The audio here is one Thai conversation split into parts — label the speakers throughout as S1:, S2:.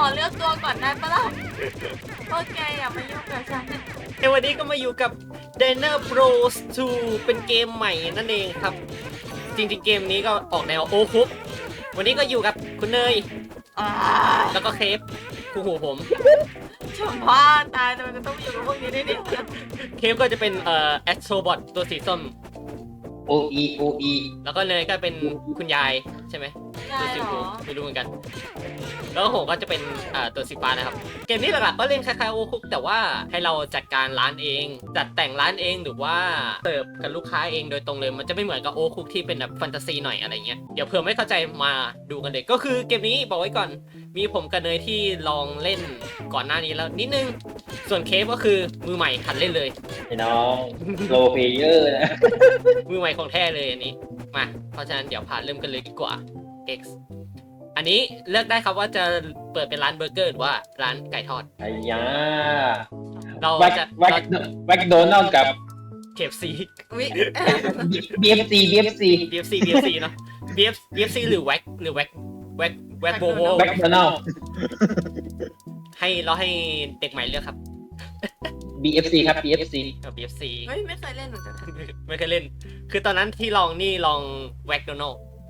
S1: เลือกตัวก่อนได้ปะล่ะโอเคอย่ามายุ่งกับฉัน
S2: ในวันนี้ก็มาอยู่กับ Diner Bros 2 เป็นเกมใหม่นั่นเองครับ จริงๆเกมนี้ก็ออกแนวโอคุกวันนี้ก็อยู่กับคุณเนย แล้วก็เคฟคู่หูผม
S1: ชมพ่อตายแต่มันจะต้องอยู่กับพวกนี้ได้ดิ
S2: เคฟก็จะเป็นแอสโทรบอทตัวสีส้ม
S3: โออี
S2: แล้วก็เนยก็เป็นคุณยายใช่ไหม
S1: ได้
S2: ตัวสี
S1: เหร
S2: ฟู
S1: อ
S2: ไม่รู้เหมือนกัน แล้วผมก็จะเป็นตัวสีฟ้านะครับ เกมนี้หลักๆก็เล่นคล้ายๆโอคุกแต่ว่าให้เราจัดการร้านเอง จัดแต่งร้านเองหรือว่าเสิร์ฟกับลูกค้าเองโดยตรงเลย มันจะไม่เหมือนกับโอคุกที่เป็นแบบแฟนตาซีหน่อยอะไรเงี้ย เดี๋ยวเผื่อไม่เข้าใจมาดูกันเลยก็คือเกมนี้บอกไว้ก่อน มีผมกับเนยที่ลองเล่นก่อนหน้านี้แล้วนิดนึง ส่วนเคฟก็คือมือใหม่หัดเล่นเลย
S3: ไอ้น้องโลเพเยอร์นะ
S2: มือใหม่ของแท้เลยอันนี้ มา เพราะฉะนั้นเดี๋ยวพาเริ่มกันเลยดีกว่า X อันนี้เลือกได้ครับว่าจะเปิดเป็นร้านเบอร์เกอร์หรือว่าร้านไก่ทอด
S3: ไอ้ยา
S2: เรา
S3: แว็ก
S2: จะ
S3: แว็กโดนัลกับ
S2: เคฟซี
S1: วิ
S3: BFC
S2: BFC เนาะ BFC หรือแว็กโบโว
S3: แว็กโดนัล
S2: ให้เด็กใหม่เลือกครับ
S3: BFC ครับ BFC
S2: BFC
S1: เฮ้ยไม่เคยเล่นเหมือนกัน
S2: ไม่เคยเล่น คือตอนนั้นที่ลองแว็กโดนัล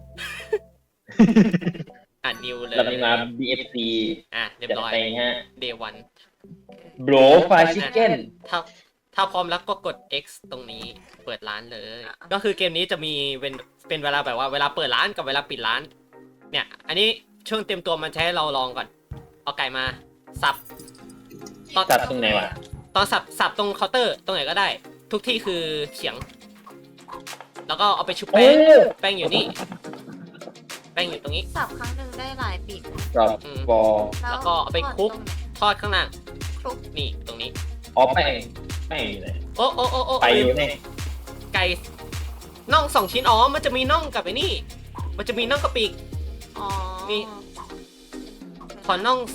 S2: อ่านนิวเลย
S3: เรามีมา BFC
S2: อ่ะเรียบ
S3: จัด
S2: ร้อย
S3: ไปฮะ
S2: Day 1
S3: โบรไฟชิคเก้น
S2: ถ้าพร้อมแล้วก็กด X ตรงนี้เปิดร้านเลย ก็คือเกมนี้จะมีเป็นเวลาแบบว่าเวลาเปิดร้านกับเวลาปิดร้าน เนี่ย อันนี้ช่วงเตรียมตัวมันใช้ให้เราลองก่อน เอาไก่มาสับ
S3: จัดตรงไหนวะ
S2: ตอนสับตรงเคาน์เตอร์ตรงไหนก็ได้ ทุกที่คือเฉียง แล้วก็เอาไปชุบ
S3: โอ้
S2: แป้งอยู่นี่ แป้งอยู่ตรงนี้
S1: สับครั้งหนึ่งได้หลายปีก
S3: จอบ บอ
S2: แล้วก็เอาไปคลุก ทอดข้างล่าง
S1: คลุก
S2: นี่ตรงนี้
S3: อ๋อแป้งอยู่ไหน
S2: โอ้
S3: ไปอยู่ไหน
S2: ไก่น่อง2 ชิ้นอ๋อมันจะมีน่องกับไอ้นี่ มันจะมีน่องกับปีก
S1: อ๋อ
S2: นี่ ขอน่อง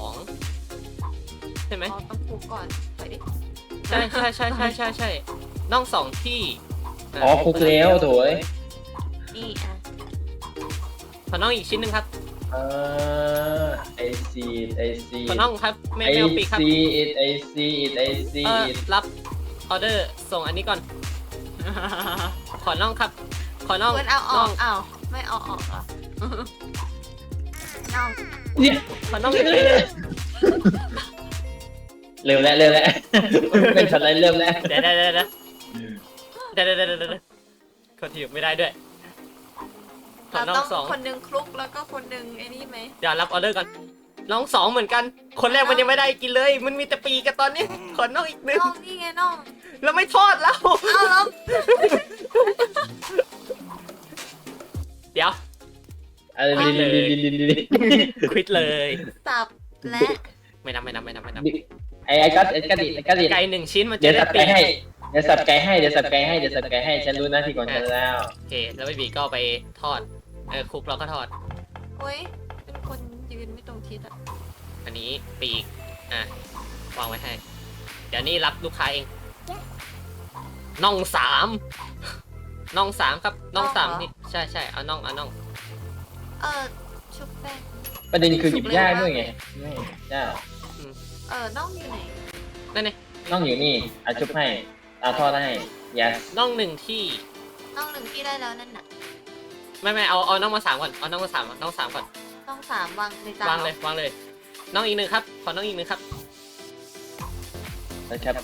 S2: 2ใช่ไหม
S1: อ๋อต้องคลุกก่อนไปดิ
S2: ใช่น่อง2ที่
S3: อ๋อคลุกแล้วโถย
S1: นี่อ่ะ
S2: ขอน่องอีกชิ้นหนึ่งครับ
S3: ไอซี
S2: ขอน่องครับไม่เอาปีกครับ
S3: ไอซี
S2: รับออเดอร์ส่งอันนี้ก่อน ขอน่องครับ ขอน่อง
S1: เพื่อนเอาอ
S2: น่
S1: อ
S2: อก ง
S1: เอาไม่เอาออกเหรอน้อง
S3: เนี่ย
S2: ขอน่องอีกชิ้น
S3: เร็วแล้วเป็นช็อตอะไรเริ่มแล้ว
S2: เดี๋ยวเขาถีบไม่ได้ด้วยขอ
S1: เรา
S2: น่อ
S1: ต้อง ง
S2: สอง
S1: คนหนึงคลุกแล้วก็คนหนึงไอ้นี่ไหม
S2: เดี๋ยวรับออเดอร์ก่อนน้อง2เหมือนกัน คนแรกมันยังไม่ได้กินเลย มันมีแต่ปีกกันตอนนี้ ขอน้องอีกหนึ่ง
S1: น้องนี่ไงน้อง
S2: แล้วไม่ทอดแล้ว
S1: เอาแล้ว
S2: เดี๋ยว
S3: อะไรลิน
S2: ควิดเลย
S1: สับและ
S2: ไม่นับ
S3: ไอ้ก็ดิ
S2: ไก่1 ชิ้นมันจะ
S3: เดี๋ยว
S2: ได้
S3: สับ
S2: ปี
S3: ไก่
S2: ก
S3: ให้เดี๋ยวสับไก่ให้ฉันรู้หน้าที่ของฉันแล้ว
S2: โอเค แล้วไม่ปีกก็เอาไปทอดคลุกเราก็ทอด
S1: โอ้ยเป็นคนยืนไม่ตรงทิศอ่ะ
S2: อันนี้ปีกวางไว้ให้ เดี๋ยวนี้รับลูกค้าเองน่อง3น่อง3ครับน่อง3นี่ใช่เอาน่อง
S1: ชุบแป้ง
S3: ประเด็นคือหยิบยากด้วยไงไม่ยาก
S1: น้องอยู่ไหน
S2: นั่นไง
S3: น้องอยู่นี่อาชุบให้อาทอดให้ yes
S2: น่อง1ที่
S1: น้องหนึ่งที่ได้แล้วนั่นน่ะ
S2: ไม่เอาน่องมา3ก่อนเอาน่องมา3ก่อนน่อง3ก่อน
S1: ต้องสามวางในจาน
S2: วางเลยน้องอีก1ครับขอน้องอีก1ครับ
S3: แล้วครับ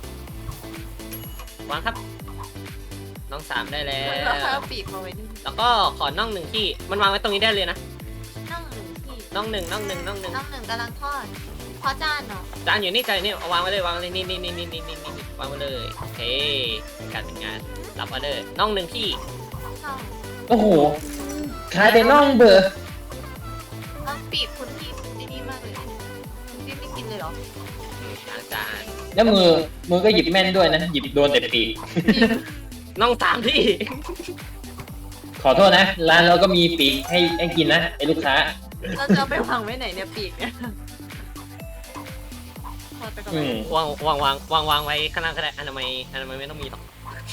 S2: วางครับน้อง3ได้แล้ว
S1: เราเอาปีกมาไว้นี่
S2: แล้วก็ขอน่อง1ที่มันวางไว้ตรงนี้ได้เลยนะ
S1: น้องหนึ่งที่
S2: น่อง1
S1: น้องหนึ่งกำลังทอดเพราะจานเนาะ
S2: จานอยู่นี่เอาวางไว้เลยวางเลยนี่วางไว้เลยโอเคการเป็นงานรับออเดอร์น่อง1ที่
S1: น้อง
S3: โอ้โหคล้ายแต่น้องเบอร์
S1: น้องปีกคุณพี่ดีมากเลยคุณพี่ไม่กินเลยเหรอ
S2: ล้างจาน
S3: แล้วมือก็หยิบแม่นด้วยนะหยิบโดนแต่ปีก
S2: น่อง3ที่
S3: ขอโทษนะร้านเราก็มีปีกให้กินนะไอ้ลูกค้า
S1: เราจะเอาไปวางไว้ไหนเนี่ยปีกเนี่ยทอดไปก่อน
S3: อืม
S2: วางไว้ข้างล่างก็ได้อนามัยไม่ต้องมีหรอก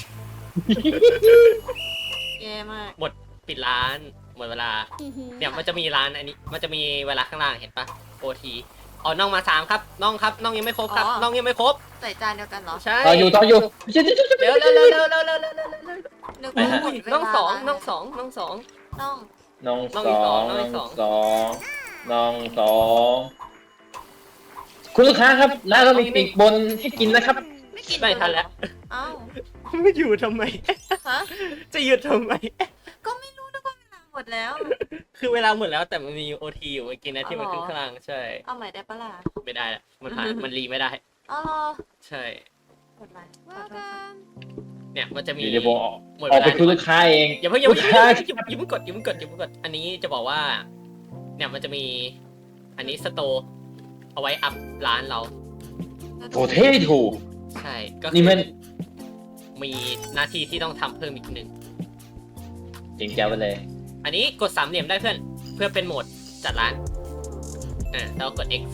S1: แย่มาก
S2: ปิดร้านหมดเวลาเนี่ยมันจะมีร้านอันนี้มันจะมีเวลาข้างล่างเห็นปะ OT อ๋อน้องมา3ครับน้องครับน้องยังไม่ครบครับน้องยังไม่ครบ
S1: ใส่จานเดียวกันเหรอ
S2: ใช่
S3: ต่ออยู่
S2: เร็วเร็วเร็วเร็วเร็วเร็วเร็ว
S1: นึก
S3: ไป
S1: ว่า
S3: ฮะ
S1: หมดเวลา
S2: น้องสองน้องสองน้องสอง
S1: น้อง
S3: น้อง
S2: น้อง
S3: ส
S2: อีก
S3: อ
S2: สอง
S3: ง
S2: น้องอีกสอง
S3: น้องสองคุณลูกค้าครับร้านเรามีปีกบนให้กินนะครับ
S1: ไม่กิน
S2: ไม่ทันแล้ว
S1: เอ้า
S2: ไม่อยู่ทำไม
S1: ฮะ
S2: จะหยุดทำไม
S1: ก็ไม่รู้นึกว่าเวลาหมดแล้ว
S2: คือเวลาหมดแล้วแต่มันมี OT อยู่เมื่อกี้นะที่มัน
S1: อ๋อ
S2: ขึ้นข้างล่างใช่
S1: เอาใหม่ได้ปะล่ะ
S2: ไม่ได้ละมันผ่านมันรีไม่ได้
S1: อ๋อเหรอ
S2: ใช่
S1: หมดไรขอโทษค่ะ
S2: เนี่ยมันจะมี
S3: เดี๋ยวผมออก
S2: หมด
S3: ออก
S2: เว
S3: ไป
S2: ลา
S3: คุยลูกค้าเอง
S2: อย่าเพิ่งอย่า
S3: ลู
S2: เพิ่
S3: ก
S2: ง
S3: ค้า
S2: อย่าเพิ่งกดอย่าเพิ่งกดอย่าเพิ่งกดอันนี้จะบอกว่า เนี่ยมันจะมี อันนี้สโตร์เอาไว้อัพร้านเรา
S3: โถเท่ถูก
S2: ใช่ก็คื
S3: นี่มัน
S2: มีหน้าที่ที่ต้องทำเพิ่มอีกหนึ่ง
S3: จริงแจ้วไปเลย
S2: อันนี้กด3เหลี่ยมได้เพื่อเป็นโหมดจัดร้านแล้วกด X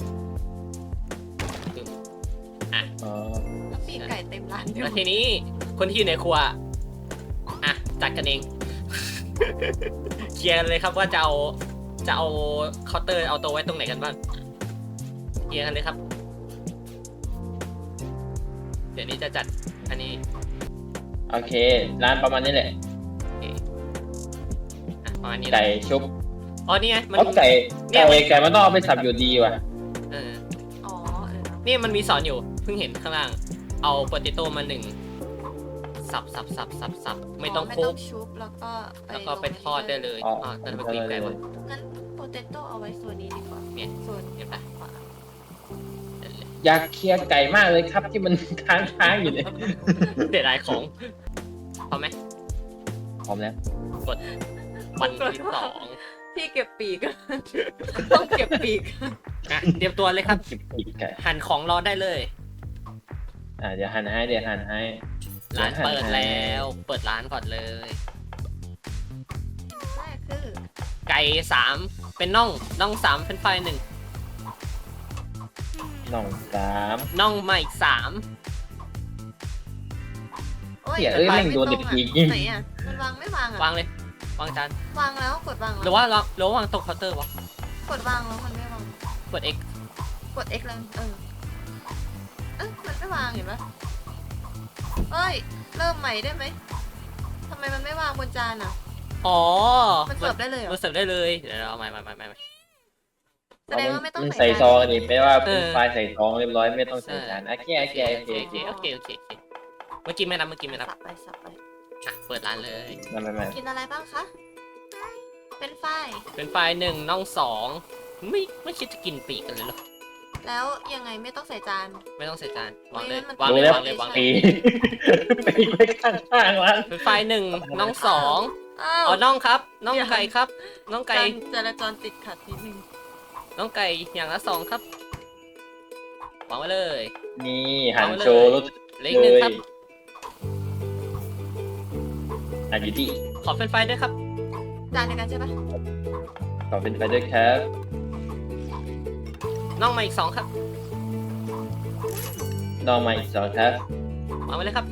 S3: อ๋อ
S1: แล้วปีกไก่เต็มร้านอยู่
S2: แล้วทีนี้คนที่อยู่ในครัวจัดกันเอง เคลียร์กันเลยครับว่าจะเอาเคาน์เตอร์เอาตัวไว้ตรงไหนกันบ้างเคลียร์กันเลยครับ เดี๋ยวนี้จะจัดอันนี้
S3: โอเค ร้านประมาณนี้แหละ
S2: ประมาณนี้
S3: ไก่ชุบ
S2: อ๋อนี่ไงมัน
S3: เอาไก่
S2: เนี่ย
S3: ไก่มันต้องเอาไปสับอยู่ดีว่ะ
S2: เออ
S1: อ๋อ
S2: นี่มันมีสอนอยู่เพิ่งเห็นข้างล่าง เอาโปเตโต้มา1สับไม่ต้องคลุก
S1: ชุบแล้วก็
S2: แล้วก็ไปทอดได้เลย
S3: อ๋อ
S2: แต่ไปกรีดไก่วะ
S1: งั้นโปเตโต้เอาไว้ส่วนนี้ดีกว่า
S2: เนี่ย
S1: ส่วน
S2: เห็นปะ
S1: ขวา
S3: อยากเคลียร์ไก่มากเลยครับที่มันค้างอยู่เนี่ย
S2: เสียดายของพอไหม
S3: พร้อมแล้ว
S2: วันที่2
S1: พี่เก็บปีก ต้องเก็บปีก
S2: เตรียมตัวเลยครับ
S3: เก็บปีกไก่
S2: หั่นของรอได้เลย
S3: เดี๋ยวหั่นให้
S2: ร้านเปิดแล้ว เปิดร้านก่อนเลย
S1: แรกคือ
S2: ไก่3เป็นน่อง3เป็นไฟ1
S3: น้องสาม
S2: น่องมาอีก3
S1: โอ้ย
S3: เหี้ยเอ้ยแม่งโดนเด็กปีกยิง
S1: ไหนอ่ะมันวางไม่วางอ่ะ
S2: วางเลยวางจาน
S1: วางแล้วกดวาง
S2: หรือว่าเราวางตรงเคาน์เตอร์วะ
S1: กดวางแล้วมันไม่วาง
S2: กด X
S1: กด X แล้วมันไม่วางเห็นปะเอ้ยเริ่มใหม่ได้ไหมทำไมมันไม่วางบนจานอ่ะ
S2: อ๋อ
S1: มันเสิร์ฟได้เลยเหรอ
S2: มันเสิร์ฟได้เลยเดี๋ยวเราเอาใหม่
S1: แสดงว่าไม่ต้อง
S3: ใส่ซองนี่ไม่ว่า
S2: เอ
S3: เป็น
S2: อ
S3: ไฟล์ใส่ซองเรียบร้อยไม่ต้องใส่จานโอเค
S2: โอเคเมื่อกี้ไม่นับ
S1: สับไปสับไป
S2: เปิดร้านเลย
S3: ไม่
S1: กินอะไรบ้างคะ เป็นไฟ
S2: เป็นไฟ1น่อง2ไม่คิดจะกินปีกกันเลยเหรอ
S1: แล้วยังไงไม่ต้องใส่จาน
S2: ไม่ต้องใส่จานวางเลย
S1: มัน
S2: วาง
S3: ดู
S2: เลย
S3: แล้ว
S2: วางเลยวางเล
S3: ปี
S2: ย
S3: ปีกไว้ข้างๆร้าน
S2: เป็นไฟ1น่อง2
S1: อ้าว
S2: อ๋อน่องครับน่องไก่ครับน่องไก่
S1: การจราจรติดขัดนิดนึง
S2: น่องไก่อย่างละ2ครับวางไว้เลย
S3: นี่หั่นโชว์รส
S2: เหล็กหนึ่งครับ
S3: อยู่ที่
S2: ขอเป็นไฟด้วยครับ
S1: จานเดียวกันใช่ปะ
S3: ขอเป็นไปด้วยครับ
S2: น่องมาอีก2ครับ
S3: น้องมาอีกสองครับ
S2: วางไว้เลยครับ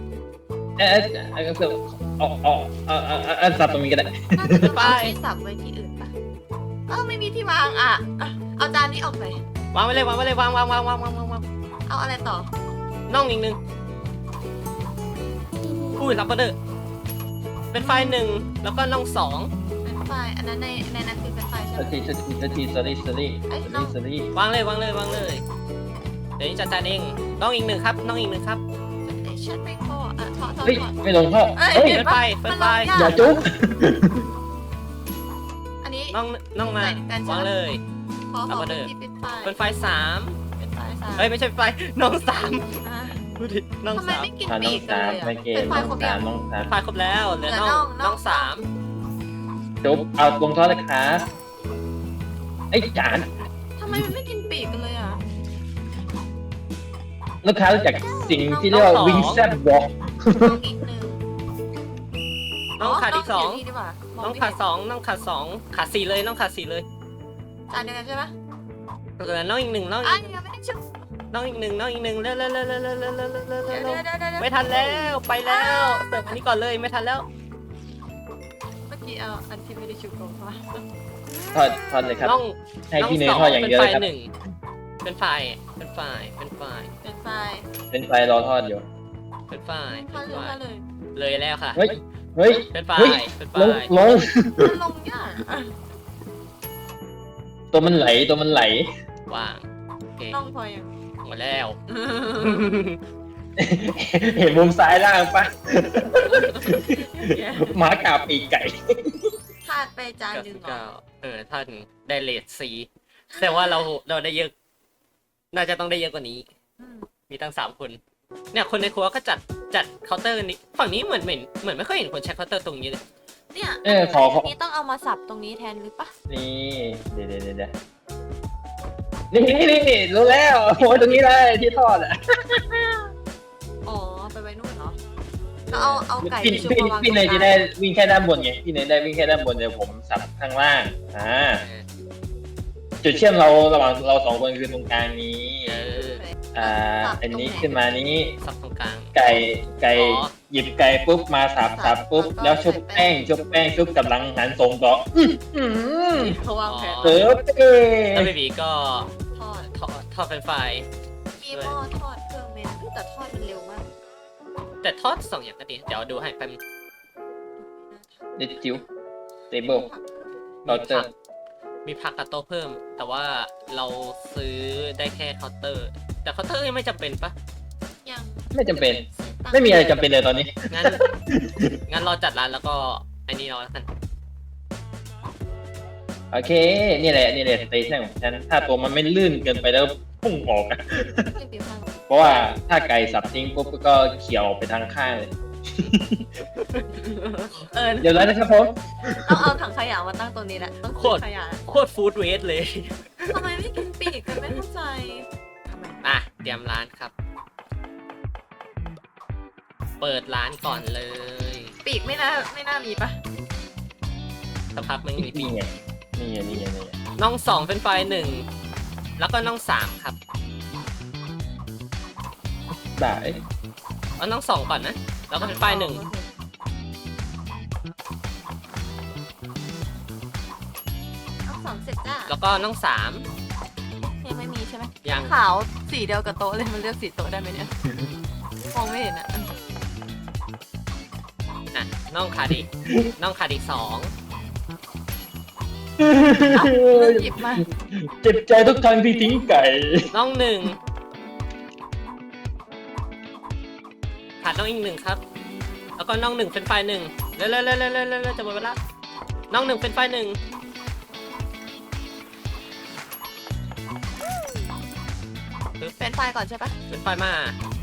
S3: สับตรงนี้ก็ได้
S1: น่าจะต้อง
S2: ไป
S1: เอาที่สับไว้ที่อื่นปะไม่มีที่วางอ่ะเอาจานนี้ออกไป
S2: วางไว้เลยวาง
S1: เอาอะไรต่อ
S2: น่องอีก1อุ้ยรับออเดอร์เป็นไฟ1แล้วก็น่อง2
S1: เป็นไฟอันนั้นในนั้นคือเป็นไฟใช่ไหม
S3: ที sorry
S2: วางเลยวางเลยเดี๋ยวนี้จัดจานเองน้องอีก1ครับน้องอีก1ครับ
S1: ชัดไม่พอถอด
S3: เฮ้ยไม่ลงพ่อ
S1: เอ้ย
S3: เฮ้ย
S1: เห็นปะ
S2: เปิด
S1: มัน
S2: ไฟ
S1: ลงยาก
S3: อย่าจุ๊บ
S1: อันนี้
S2: น้องมา
S1: ใส่กันใช่ไหม
S2: วางเลย
S1: ขอ
S2: รับออเดอร์
S1: ที่เป็นไฟ
S2: เป็นไฟ3
S1: เป็นไฟสาม
S2: เอ้ยไม่ใช่ไฟน้อง3
S1: อ่ะ
S2: ดูดิน้อง
S1: ทำไมไม่กิน
S3: น้
S1: ปี
S3: อง
S1: กกัน
S3: สาม
S1: เลย
S3: ไม่
S1: อ่ะ
S3: เกณ
S1: เป็น
S3: ฑ์
S1: ไฟ
S3: น้อง
S1: ครบ
S3: สา
S1: ยัง
S3: มน้องสาม
S2: ไฟครบแล้วเหลือ
S1: เหลือ
S2: น้อง
S1: น่อง
S3: จุ๊บเอาลงทอดเลยครับไอ้จาน
S1: ทำไมมันไม่กินปีกกันเลยอ่ะ
S3: ลูกค้ารู้จักสิ่งที่เรียกว่าวิงแซบวอล์ก
S1: น้องอีกหนึ่ง
S2: น้องขาดอีก
S1: น้งยู่นี่ดีกว่า
S2: 2น้องขาด2น้องขาด2ขาด4เลยน้องขาด4เลย
S1: จานเดียวกันใช่ปะ
S2: เหลือน้องอีก1น้อง
S1: อ่ะ
S2: อีก
S1: ยังไม่ได้ชุบ
S2: น้องอีก1น้องอีก1เร็ว
S1: เดี๋ยว
S2: ไม่ทันแล้วไปแล้วเสิร์ฟอันนี้ก่อนเลยไม่ทันแล้ว
S1: เมื่อกี้เอาอันที่ไม่ได้ชุบก่อนว่า
S3: ทอดเลยครับ
S2: น้อง
S3: ให้
S2: น้อง
S3: พี่เนย
S2: สอง
S3: ทอดอย่าง
S2: เป็น
S3: เดียว
S2: ไฟ
S3: เลยครับ
S2: หนึ่งเป็นไฟเป็นไฟเป็นไฟ
S1: เป็นไฟ
S3: เป็นไฟรอทอดอยู่
S2: เป็นไฟ
S1: ทอดเลยทอดเลย
S2: เลยแล้วค่ะ
S3: เฮ้ยเฮ้ย
S2: เป็นไฟ
S3: เฮ้ย
S2: เป็นไฟ
S3: ลง
S1: มันลงยากอะ
S3: ตัวมันไหลตัวมันไหล
S2: วางโอเค
S1: ต้องพอยัง
S2: หมดแล้ว
S3: เห็นมุมซ้ายล่างปะหมากาบปีกไก่
S1: พลาดไปจานหนึ่งเหรอ
S2: ท่านได้เลทซีแต่ว่าเราได้เยอะ น่าจะต้องได้เยอะกว่านี้
S1: อืม
S2: มีตั้ง3 คน เนี่ยคนในครัวก็จัดเคาน์เตอร์นี้ฝั่งนี้เหมือนไม่ค่อยเห็นคนใช้เคาน์เตอร์ตรงนี้เลย
S1: เนี่ย
S3: ขอ
S1: นนี้ต้องเอามาสับตรงนี้แทนหรือปะ
S3: นี่เดี๋ยวนี่รู้แล้วโอ้ยตรงนี้เลยที่ทอดอ่ะ
S1: อ๋อไปไว้นู่นเหรอแล้วเอาไก่
S3: พี่
S1: ชุบ
S3: พี่
S1: มาวาง
S3: พี่เนย
S1: ตร
S3: จะ
S1: งก
S3: ได้
S1: ลาง
S3: วิ่งแค่ด้านบนไงพี่เนยได้วิ่งแค่ด้านบนเดี๋ยวผมสับข้างล่างจุดเชื่อมเราระหว่างเรา2 คนคือตรงกลางนี้
S2: เออ
S3: อันนี้ขึ้นมานี้
S2: สับตรงกลาง
S3: ไก่
S2: อ๋อ
S3: หยิบไก่ปุ๊บมาสับปุ๊บแล้วชุบแป้งชุบกับหลังหันส่งต่อม
S1: เขาวางแผน
S3: เออ
S2: แล้วเบบีก็
S1: ทอด
S2: ทอดเป็นไฟ
S1: มีหม้อทอดเครื่องเมนแต่ทอดมันเร็วมาก
S2: แต่ทอด2 อย่างก็ดี เดี๋ยวดูให้แป๊บนึง
S3: เด็ดจิ๋วเตเบิลเราเจอ
S2: มีผักกับโต๊ะเพิ่ม แต่ว่าเราซื้อได้แค่เคาน์เตอร์ แต่เคาน์เตอร์ยังไม่จำเป็นปะ
S1: ยัง
S3: ไม่จำเป็น ไม่มีอะไรจำเป็นเลยตอนนี้
S2: งั้นรอจัดร้านแล้วก็ไอ้นี่เราแล้วกัน
S3: โอเค นี่แหละสเตชันของฉันถ้าตัวมันไม่ลื่นเกินไปแล้วพุ่งออกอะ
S1: ไม่ปิวข้าง
S3: เพราะว่าถ้าไก่สับทิ้งปุ๊บก็เขี่ยวไปทางข้างเลย เดี๋ยวแล้วนะครับผม
S1: ต้องเอาถังขยะมาตั้งตรงนี้แหละต้อง
S2: โค
S1: ทิ้
S2: ตร
S1: งขยะ
S2: โคตรฟู้ดเวสเลย
S1: ทำไมไม่กินปีกกันไม่เข้าใจทำไม
S2: อ่ะ เตรียมร้านครับ เปิดร้านก่อนเลย
S1: ปีกไม่น่ามีปะ
S2: สักพักมึงมีปี
S3: นี่ไง
S2: น้อง2เป็นไฟ1แล้วก็น้อง3ครับ
S3: ได้
S2: เอาน้อง2ก่อนนะ แล้วก็เป็นไฟ1
S1: เอาสองเสร็จจ้า
S2: แล้วก็น้อง3
S1: ยังไม่มีใช่ไหม
S2: ยัง
S1: ขาวสีเดียวกับโต๊ะเลยมันเลือกสีโต๊ะได้ไหมเนี่ยมองไม่เห็นอ่ะ
S2: อ่ะน้องขาดอีกน้องขาดอีก2
S1: หยิบมา
S3: เจ็บใจทุกครั้งที่ทิ้งไก่
S2: น้อง1ขาดน้องอีก1ครับ แล้วก็น้อง1เป็นไฟ1เร็วจะหมดเวลาน้อง1เป็นไฟ1
S1: เป็นไฟก่อนใช่ปะ
S2: เป็นไฟมา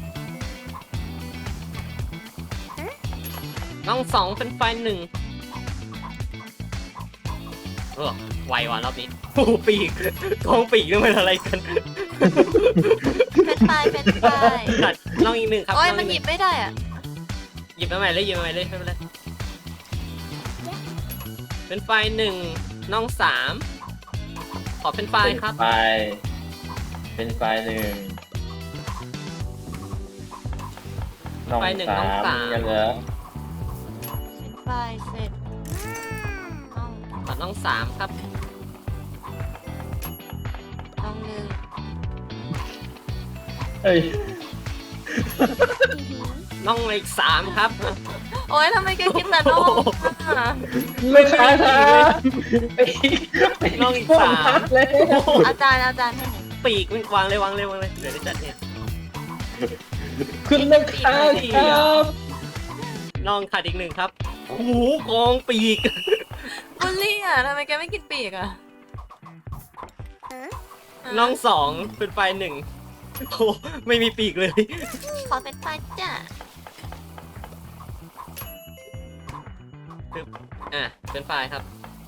S2: น้อง2เป็นไฟ1ไวว่ะรอบนี้โอ้โหปีกกองปีกนี่มันอะไรกัน
S1: เป็นไฟ
S2: ตัดน้องอีก1ครับ
S1: โอ้ย
S2: น้ง
S1: มัน
S2: ก
S1: หยิบไม่ได้อ่ะ
S2: หยิบมาใหม่เลยไม่เป็นไรเป็นไฟ1น้อง3ขอเป็นไฟครับ
S3: เป็นไฟ1น้อง
S2: ไฟ1น้อง
S3: 3
S2: 3
S3: ยังเหรอ
S1: เป็นไฟเสร็จต้อง
S2: ขอน้อง3ครับ
S1: ต้องหนึ่ง
S3: เอ้ย
S2: น้องอีก3ครับ
S1: โอ้ยทำไมแกกินแต่นมอ่ะ
S3: ลูกค้าครับไป
S2: น้องอีก
S3: พว
S2: 3
S3: พักเลย
S1: อาจารย์ให้หน่อย
S2: ปีกมันวางเลยวางเลยเดี๋ยวได้จัดเนี่ย
S3: คุณลูกค้าครับ
S2: น้องขาดอีก1ครับโอ้โหกองปีก
S1: บุลลี่อ่ะทำไมแกไม่กินปีกอ่ะ
S2: น้อง2เป็นไฟ1โอ้ไม่มีปีกเลย
S1: ขอเป็นไฟจ้ะ
S2: อ่ะเป็นไฟครับ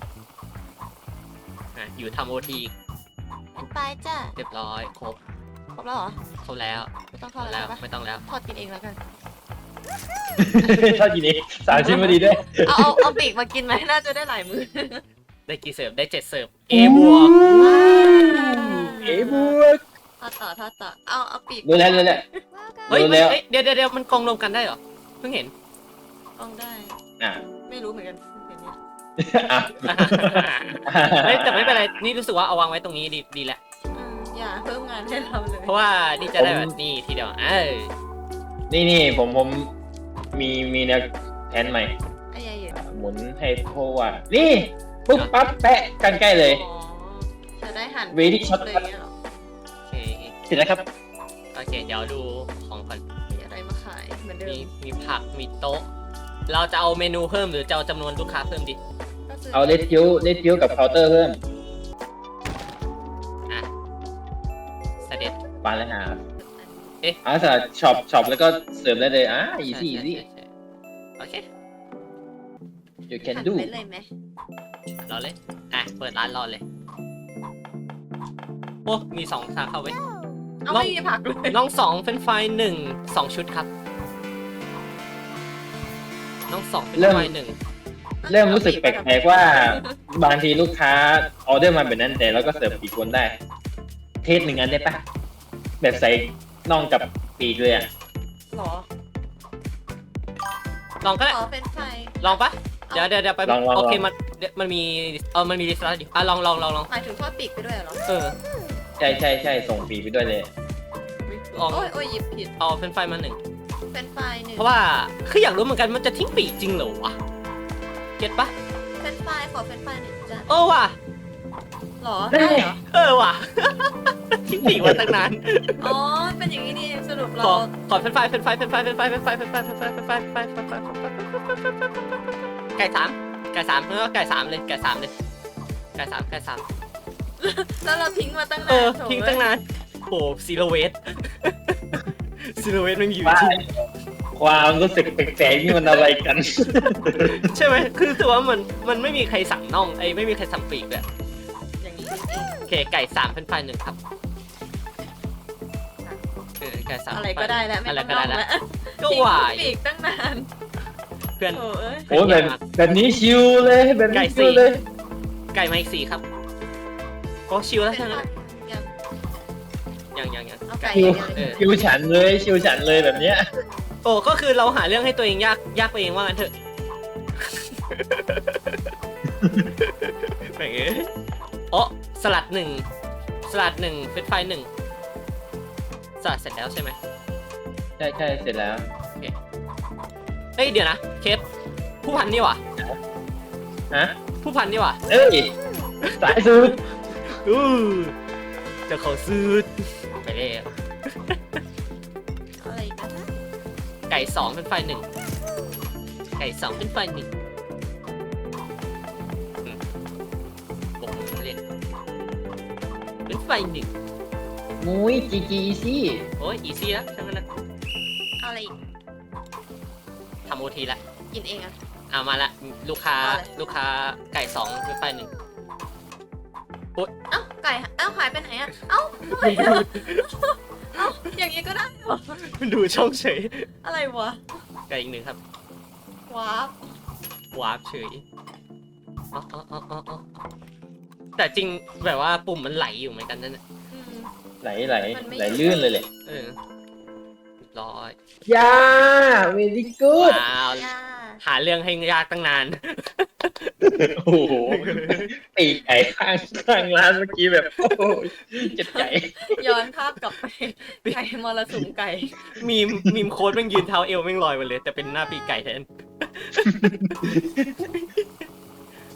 S2: อ่ะอยู่ทำโอที
S1: เป็นไฟจ้ะ
S2: เรียบร้อยครบ
S1: ครบแล้วเหรอ
S2: ครบแล้ว
S1: ไม่ต้องทอดแล้วปะ
S2: ไม่ต้องแล้ว
S1: ทอดกินเองแล้วกัน
S3: ชอบกินเอง3 ชิ้นพอดีด้วย
S1: เอาปีกมากินไหมน่าจะได้หลายมือ
S2: ได้กี่เสิร์ฟได้7เสิร์ฟ A บวก
S3: บวก
S1: ทอดต่อเอาปีก
S3: รู้แล้ว
S2: เฮ้ย
S3: รู้แล้ว
S2: เดี๋ยวมันกองรวมกันได้เหรอเพิ่งเห็น
S1: ต้องได้
S3: อ่ะ
S1: ไม่รู้เหมือนกันเห็นเนี่ย
S3: อ่ะ
S2: เฮ้ยแต่ไม่เป็นไรนี่รู้สึกว่าเอาวางไว้ตรงนี้ดีแหละ
S1: อย่าเพิ่มงานให้เราเลย
S2: เพราะว่านี่จะได้แบบนี้ทีเดียว
S3: นี่ผมมีแนวแผนใหม่
S1: ไอ้ยายอยู่
S3: หมุนให้เพราะว่านี่ปุ๊บปั๊บแปะกันใกล้เลย
S1: อ๋อจะได้หัน
S3: Very short
S1: เลยเนี่ยเหรอ
S2: โอเค
S3: เสร็จแล้วครับ
S2: โอเคเดี๋ยวดูของก่อน
S1: มีอะไรมาขายเหมือนเดิม
S2: มีผักมีโต๊ะ เราจะเอาเมนูเพิ่มหรือจะเอาจำนวนลูกค้าเพิ่มดี
S1: ก็ซื้
S3: เอาเลดคิวกับเคาน์เตอร์เพิ่ม
S2: อ่ะเสด็จ
S3: ปานแล้วหา
S2: เอ๊ะ
S3: สำหรับช็อปแล้วก็เสิร์ฟได้เลยอีซี่
S2: ใช่โอเค
S3: you
S1: หั
S3: can
S1: น
S3: do
S1: ไปเลยไหม
S2: รอเลยเปิดร้านรอเลย โอ้มี2ทางเข้าไว้ย
S1: เอา
S2: น้อง
S1: ไม่มีผักเลย
S2: น้อง2เป็นไฟ1 2 ชุดครับ น้อง2เป็นไฟ1
S3: เริ่มรู้สึกแปลกๆว่าบางทีลูกค้าออเดอร์มาแบบนั้นแต่เราก็เสิร์ฟปีกคนได้ เทสหนึ่งอันได้ปะแบบใส่น่องกับปีกเลยอ่ะ
S1: หรอ
S2: ลองก็ได้
S1: ขอเป็นไฟ
S2: ลองปะเดี๋ยวไป
S3: ลอง
S2: โอเคมันมีมันมีลิสต์แล้วดิลอง
S1: หมายถึงทอดปีกไปด้วยเหรอ
S3: ใช่ส่งปีกไปด้วยเลย
S2: ลอง
S1: โอ้ยหยิบผิด
S2: เอาเป็นไฟมา1
S1: เป็นไฟหนึ่ง
S2: เพราะว่าคืออยากรู้เหมือนกันมันจะทิ้งปีกจริงเหรอวะเก็ตปะ
S1: เป็นไฟขอเป็นไฟหนึ่งจ้ะ
S2: ว่ะ
S1: หรอได้เหรอ
S2: ว่ะ ทิ้งปีกมาตั้งนาน
S1: อ๋อเป็นอย่างนี้นี่เองสรุปเรา
S2: ขอเป็นไฟไก่สามเนื้อไก่สามเลยไก่สาม
S1: แล้วเราทิ้งมาตั้งนานโถ่
S2: ทิ้งตั้งนานโอ้ซีโรเวสไม่มีอยู่
S3: ว่า
S2: จริง
S3: ความรู้สึกแปลกๆนี่มันอะไรกัน
S2: ใช่ไหมคือถือว่ามันไม่มีใครสั่งน่องไม่มีใครสั่งปีกเลย
S1: อย่างนี้จริง
S2: โอเคไก่3เป็นไฟ1ครับไก่3
S1: อะไรก็ได้แล้วไม่
S2: อะไร
S1: ต้อง
S2: ก็
S1: ล
S2: ได้
S1: อง
S2: แล้ว
S1: แล้ว
S2: ก็
S1: ทิ้ง
S2: หวาย
S1: ปีกตั้งนาน
S2: เพื่อน
S1: โถ่เอ้ย
S3: โอ้แบบนี้ชิวเลยแบบนี้ชิวเลย
S2: ไก่มาอีก4ครับก็ชิวแล้ว
S1: เป็น
S2: ใช่ไหม
S1: ไฟยัง
S2: ยัง
S1: เอาไก่
S3: ชิว
S1: อย่างเดียว
S3: ชิวฉันเลยแบบเนี้ย
S2: โอ้ก็คือเราหาเรื่องให้ตัวเองยากไปเองว่างั้นเถอะแม่งสลัด1เป็นไฟ1สลัดเสร็จแล้วใช่ไหม
S3: ใช่เสร็จแล้ว
S2: เฮ้ยเดี๋ยวนะเคสผู้พันนี่หว่า
S3: ฮะ
S2: ผู้พันนี่หว่า
S3: เอ้ยสายสุด
S2: จะขอซื้อไปเลย
S1: อะไรอีกันนะ
S2: ไก่2เป็นไฟ1ไก่2เป็นไฟ1ผมเล่นเป็นไฟ1
S3: มุ้ยจีซี่
S2: โอ้ยอีซี่แล้วทั้งนั้นนะ
S1: เอาอะไรอีก
S2: ทำโอทีละ
S1: กินเองอะ
S2: มาละลูกค้า
S1: เอาเลย
S2: ลูกค้าไก่2เป็นไฟ1
S1: เอ้าไก่เอ้าหายไปไหนอะเอ้าทำไมอะเอ้าอย่างนี้ก็ได้เหรอ
S2: ดูช่องเฉย
S1: อะไรวะ
S2: ไก่อีก1ครับ
S1: ว้าว
S2: วาร์ปเฉยอ๋อแต่จริงแบบว่าปุ่มมันไหลอยู่เหมือนกันนั่นแหละ
S1: อืม
S3: ไหล
S1: มันไม่
S3: ไหลลื่นเลยแหละ
S2: เรียบร้อย
S3: ยา very good
S2: ว้าว
S1: ย่า
S2: หาเรื่องให้ยากตั้งนาน
S3: โอ้โหปีกไก่ข้างร้านเมื่อกี้แบบโอ้โหเจ็บใจ
S1: ย้อนภาพกลับไปไก่มรสุมไก่
S2: มีมโค้ดแม่งยืนเท้าเอวแม่งลอยมาเลย แต่เป็นหน้าปีกไก่แทน